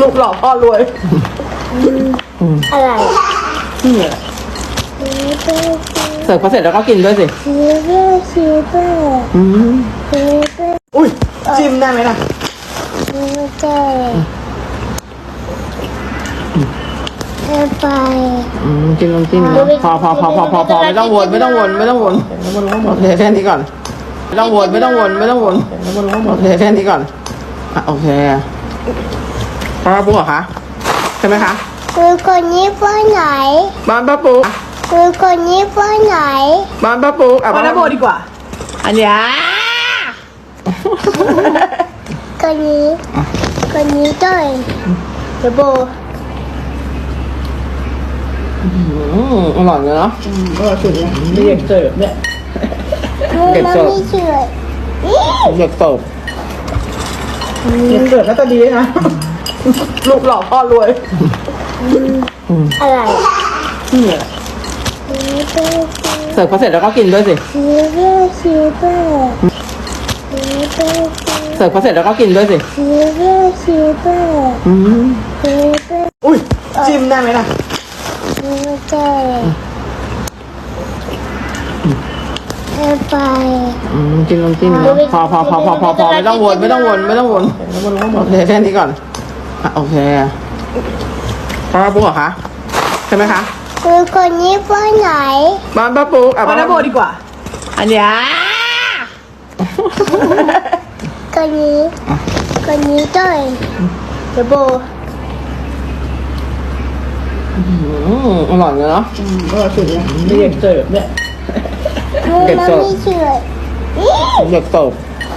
กหล่อพ่อรวยอะไรเสิร์ฟพอเสร็จแล้วก็กินด้วยสิอุ้ยจิ้มได้ไหมล่ะไปกินลองจิ้มนะพอไม่ต้องวนโอเคแค่นี้ก่อนไม่ต้องวนโอเคแค่นี้ก่อนโอเคป้าปุ๊กเหรอคะใช่ไหมคะคือคนนี้ไปไหนบ้านป้าปุ๊กคือคนนี้ไปไหนบ้านป้าปุ๊กบ้านป้าโบดีกว่าอันเนี้ยคนนี้ด้วยเดี๋ยวโบอร่อยเลยเนาะอร่อยสุดเลยเด็กเสิร์ฟเนี่ยเด็กเสิร์ฟแล้วก็ดีนะลูกหล่อพ่อรวยอะไรเสิร์ฟพอเสร็จแล้วก็กินด้วยสิเสิร์ฟพอเสร็จแล้วก็กินด้วยสิอุ้ยจิ้มได้ไหมล่ะไปกินลองจิ้มนะพอไม่ต้องวนโอเคแค่นี้ก่อนโอเคป้าปุ๊กเหรอคะใช่ไหมคะคือคนนี้ไปไหนบ้านป้าปุ๊กบ้านป้าโบดีกว่าอันเนี้ยคนนี้ด้วยเดี๋ยวโบอร่อยเลยเนาะอร่อยสุดเลยเด็กเสิร์ฟเนี่ยเด็กเสิร์ฟเด็กเสิร์ฟ